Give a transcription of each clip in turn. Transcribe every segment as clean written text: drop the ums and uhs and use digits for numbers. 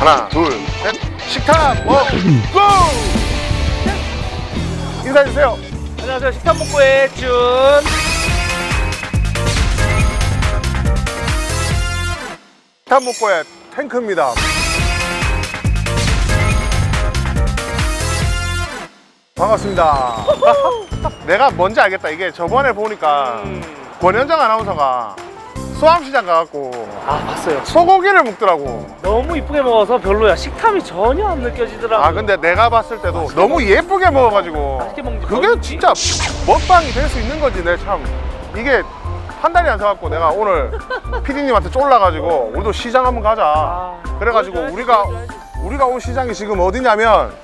하나, 둘, 셋. 식탐 먹고! 인사해주세요. 안녕하세요. 식탐복고의 준. 식탐 먹고의 탱크입니다. 반갑습니다. 내가 뭔지 알겠다. 이게 저번에 보니까 권현정 아나운서가 수암시장 가갖고 봤어요. 소고기를 먹더라고. 너무 이쁘게 먹어서 별로야. 식탐이 전혀 안 느껴지더라고. 아 근데 내가 봤을 때도 너무 예쁘게 먹어가지고 맛있게 먹는지 그게 모르겠지. 진짜 먹방이 될 수 있는 거지. 내 참 이게 한 달이 안 서갖고 내가 오늘 PD님한테 쫄라가지고 우리도 시장 한번 가자. 그래가지고 보여줘야지. 우리가 온 시장이 지금 어디냐면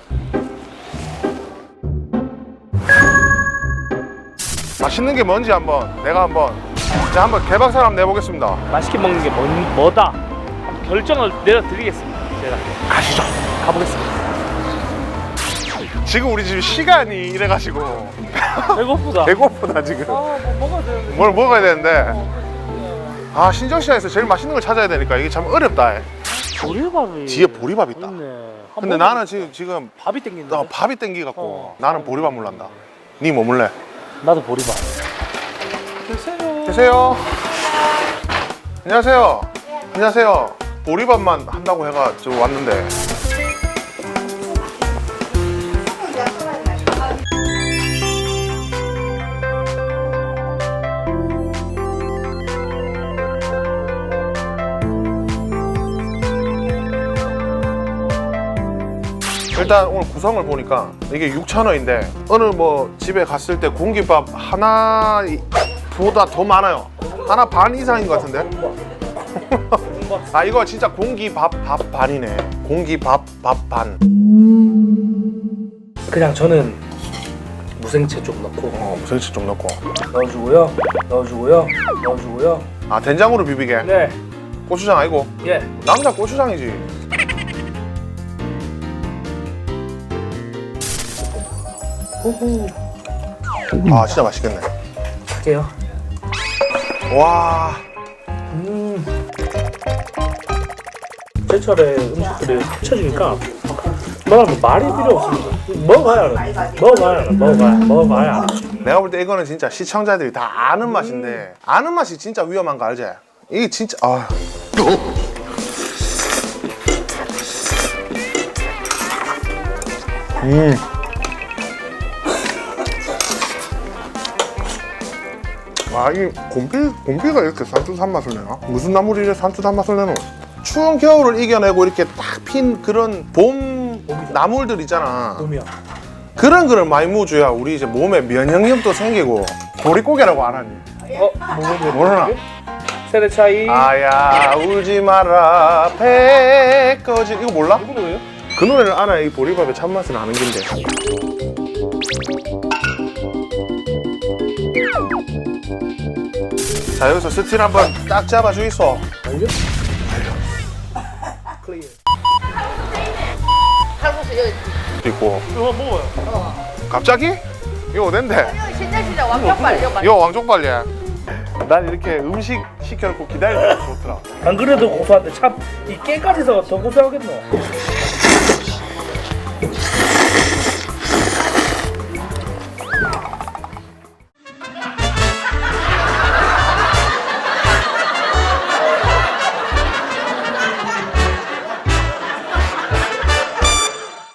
맛있는 게 뭔지 내가 한번 개박살 한번 내보겠습니다. 맛있게 먹는 게 뭐다? 한번 결정을 내려드리겠습니다. 제가 가시죠. 가보겠습니다. 지금 우리 지금 시간이 이래가지고 배고프다. 배고프다 지금. 뭐 먹어야 되는데. 뭘 먹어야 되는데 아 신정시장에서 제일 맛있는 걸 찾아야 되니까 이게 참 어렵다. 보리밥이 뒤에 보리밥 있다. 있네. 근데 나는 지금 밥이 땡긴다. 밥이 땡기갖고 나는 보리밥 물란다. 니 뭐 물래? 나도 보리밥. 드세요. 계세요. 안녕하세요. 안녕하세요. 보리밥만 한다고 해가 저 왔는데. 일단 오늘 구성을 보니까 이게 6,000원인데 어느 뭐 집에 갔을 때 공깃밥 하나보다 더 많아요. 하나 반 이상인 것 같은데. 아 이거 진짜 공기밥 밥 반이네. 공기밥 밥 반. 그냥 저는 무생채 좀 넣고 무생채 좀 넣고. 넣어주고요. 아 된장으로 비비게. 네. 고추장 아니고. 예. 남자 고추장이지. 호호. 아 진짜 맛있겠네. 할게요. 와. 제철에 음식들이 펼쳐지니까 말하면 말이 필요 없습니다. 먹어봐야 알아. 내가 볼 때 이거는 진짜 시청자들이 다 아는 맛인데 아는 맛이 진짜 위험한 거 알지? 이게 진짜 아, 이 곰피가 이렇게 산뜻한 맛을 내나? 무슨 나물이 이렇게 산뜻한 맛을 내노? 추운 겨울을 이겨내고 이렇게 딱 핀 그런 봄 나물들 있잖아. 놈이야. 그런 거를 많이 먹어줘야 우리 이제 몸에 면역력도 생기고. 보릿고개라고 안 하니? 모르나? 세대 차이. 아야 울지 마라 배꺼지 이거 몰라? 누구 노래요? 그 노래를 알아야 이 보리밥의 참맛을 아는 긴데. 자 여기서 스틸 한번 딱 잡아주이소. 알려? 클리어. 칼국수 여기 있고 이거 먹어요. 갑자기? 이거 어딘데? 신장시장 왕족발 이거 왕족발이야. 난 이렇게 음식 시켜놓고 기다리는 게 좋더라. 안 그래도 고소한데 참 이 깨까지 서 더 고소하겠노.